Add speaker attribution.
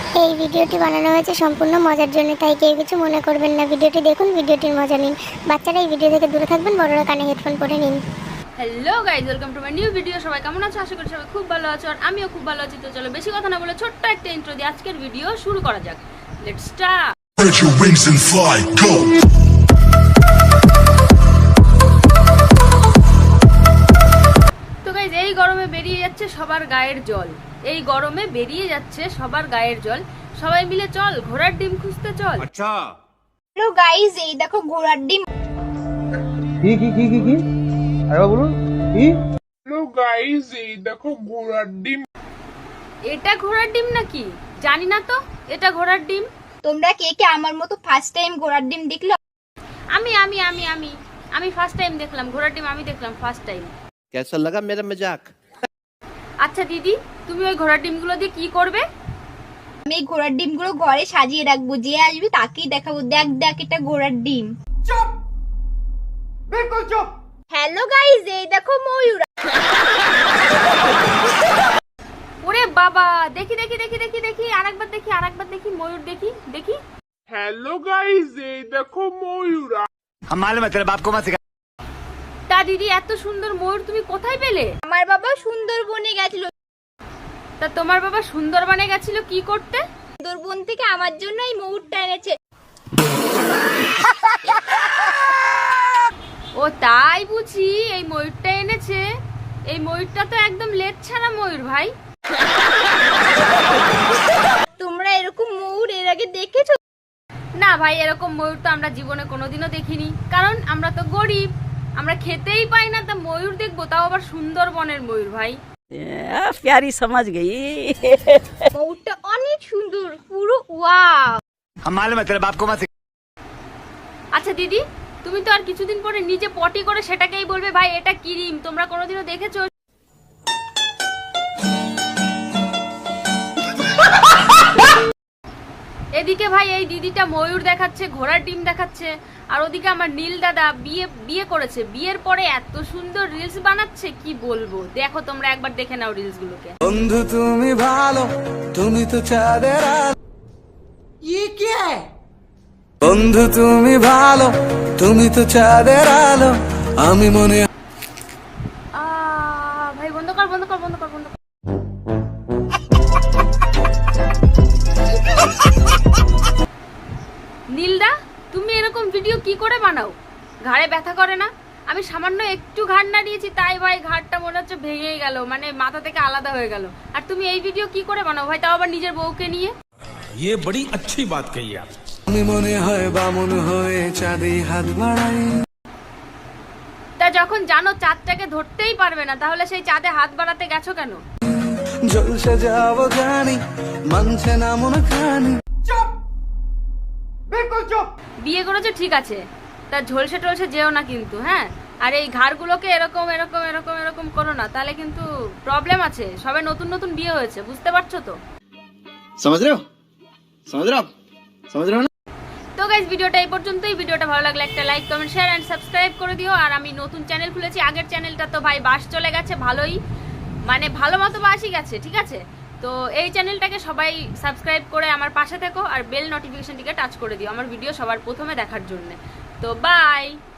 Speaker 1: এই ভিডিওটি বানানো হয়েছে সম্পূর্ণ মজার জন্য, তাই কেউ কিছু মনে করবেন না। ভিডিওটি দেখুন, ভিডিওটির মজা নিন। বাচ্চারা এই ভিডিও থেকে দূরে থাকবেন, বড়রা কানে হেডফোন পরে নিন।
Speaker 2: Hello guys, welcome to my new video. সবাই কেমন আছো? আশা করি সবাই খুব ভালো আছো, আর আমিও খুব ভালো আছি। তো চলো বেশি কথা না বলে ছোট্ট একটা ইন্ট্রো দিয়ে আজকের ভিডিও শুরু করা যাক। Let's start.
Speaker 3: Spread your wings and fly, go!
Speaker 2: তো গাইজ, এই গরমে বেরিয়ে যাচ্ছে সবার গায়ের জল। এই গরমে বেরিয়ে যাচ্ছে সবার গায়ের জল। সবাই মিলে চল ঘোড়ার ডিম খুঁজতে চল।
Speaker 4: আচ্ছা
Speaker 5: হ্যালো গাইস, এই দেখো ঘোড়ার ডিম।
Speaker 6: কি আরে বলুন কি?
Speaker 7: হ্যালো গাইস, এই দেখো ঘোড়ার ডিম।
Speaker 2: এটা ঘোড়ার ডিম নাকি? জানি না তো এটা ঘোড়ার ডিম।
Speaker 5: তোমরা কে কে আমার মতো ফার্স্ট টাইম ঘোড়ার ডিম দেখলো?
Speaker 2: আমি আমি আমি আমি আমি ফার্স্ট টাইম দেখলাম ঘোড়ার ডিম। আমি দেখলাম ফার্স্ট টাইম।
Speaker 4: कैसा लगा मेरा मजाक?
Speaker 2: আচ্ছা দিদি, তুমি ওই ঘোড়ার ডিমগুলো দিয়ে কি করবে?
Speaker 5: আমি এই ঘোড়ার ডিমগুলো ঘরে সাজিয়ে রাখবো, যে আসবে তাকেই দেখাবো, দেখ দেখ এটা ঘোড়ার ডিম। চুপ, বিলকুল চুপ। হ্যালো গাইস, এই দেখো ময়ূর।
Speaker 2: ওরে বাবা, দেখি দেখি দেখি দেখি দেখি আরেকবার দেখি ময়ূর দেখি দেখি।
Speaker 7: হ্যালো গাইস, এই দেখো ময়ূর।
Speaker 4: हम मालूम है तेरे बाप को मत सिखा।
Speaker 2: তা দিদি, এত সুন্দর ময়ূর তুমি কোথায় পেলে?
Speaker 5: আমার বাবা সুন্দরবনে গেছিল।
Speaker 2: তা তোমার বাবা সুন্দরবনে গেছিল কি করতে?
Speaker 5: সুন্দরবন থেকে আমার জন্য এই ময়ূরটা এনেছে।
Speaker 2: ও তাই বুঝি এই ময়ূরটা এনেছে। এই ময়ূরটা তো একদম লেজ ছাড়া ময়ূর ভাই।
Speaker 5: তোমরা এরকম ময়ূর এর আগে দেখেছো?
Speaker 2: না ভাই, এরকম ময়ূর তো আমরা জীবনে কোনোদিনও দেখিনি, কারণ আমরা তো গরিব, আমরা খেতেই পাই না। তা ময়ূর দেখবো, তাও আবার সুন্দরবনের ময়ূর ভাই।
Speaker 8: प्यारी समझ गई।
Speaker 5: ময়ূরটা অনেক সুন্দর, পুরো ওয়াও।
Speaker 4: हम मालूम है तेरे बाप को मत सिखा।
Speaker 2: আচ্ছা দিদি, তুমি তো আর কিছুদিন পরে নিজে পটি করে সেটাকেই বলবে ভাই এটা ক্রিম। তোমরা কোনোদিনও দেখেছো? এদিকে ভাই এই দিদিটা ময়ূর দেখাচ্ছে, ঘোড়ার ডিম দেখাচ্ছে, আর ওদিকে আমার নীল দাদা বিয়ে করেছে। বিয়ের পরে এত সুন্দর রিলস বানাচ্ছে, কি বলবো। দেখো তোমরা একবার দেখে নাও রিলস গুলোকে।
Speaker 6: বন্ধু তুমি ভালো, তুমি তো চাঁদের আলো। বন্ধু তুমি ভালো, তুমি তো চাঁদের আলো। আমি মনে
Speaker 2: ভাই বন্ধ কর বন্ধ কর বন্ধ কর বন্ধ কর। নীলদা, তুমি এরকম ভিডিও কি করে বানাও? ঘাড়ে ব্যথা করে না? আমি সামান্য একটু ঘাড় নাড়িয়েছি, তাই ভাই ঘাড়টা মনে হচ্ছে ভেঙেই গেল, মানে মাথা থেকে আলাদা হয়ে গেল। আর তুমি এই ভিডিও কি করে বানাও ভাই, তাও আবার নিজের বউকে নিয়ে?
Speaker 3: ये बड़ी अच्छी बात कही आप।
Speaker 6: আমি মনে হয় বামন হয়ে চাঁদে হাত বাড়াই।
Speaker 2: তা যখন জানো চাঁদটাকে ধরতেই পারবে না, তাহলে সেই চাঁদে হাত বাড়াতে গেছো কেন?
Speaker 6: জলসে যাবো জানি, মানছে না মন খানি।
Speaker 2: বিয়ে করেছো ঠিক আছে, তা ঝলসে টলসে যেও না কিন্তু, হ্যাঁ? আর এই ঘাড়গুলোকে এরকম এরকম এরকম এরকম করো না, তাহলে কিন্তু প্রবলেম আছে। সবে নতুন নতুন বিয়ে হয়েছে, বুঝতে পারছো তো?
Speaker 4: समझ रहे हो? समझ रहे हो? समझ रहे हो ना?
Speaker 2: তো গাইস, ভিডিওটা এই পর্যন্তই। ভিডিওটা ভালো লাগলে একটা like comment share and subscribe করে দিও। আর আমি নতুন চ্যানেল খুলেছি, আগের চ্যানেলটা তো ভাই বাস চলে গেছে, ভালোই মানে ভালো মতো বাসই গেছে, ঠিক আছে? তো এই চ্যানেলটাকে সবাই সাবস্ক্রাইব করে আমার পাশে থেকো, আর বেল নোটিফিকেশনটিকে টাচ করে দিও আমার ভিডিও সবার প্রথমে দেখার জন্য। তো বাই।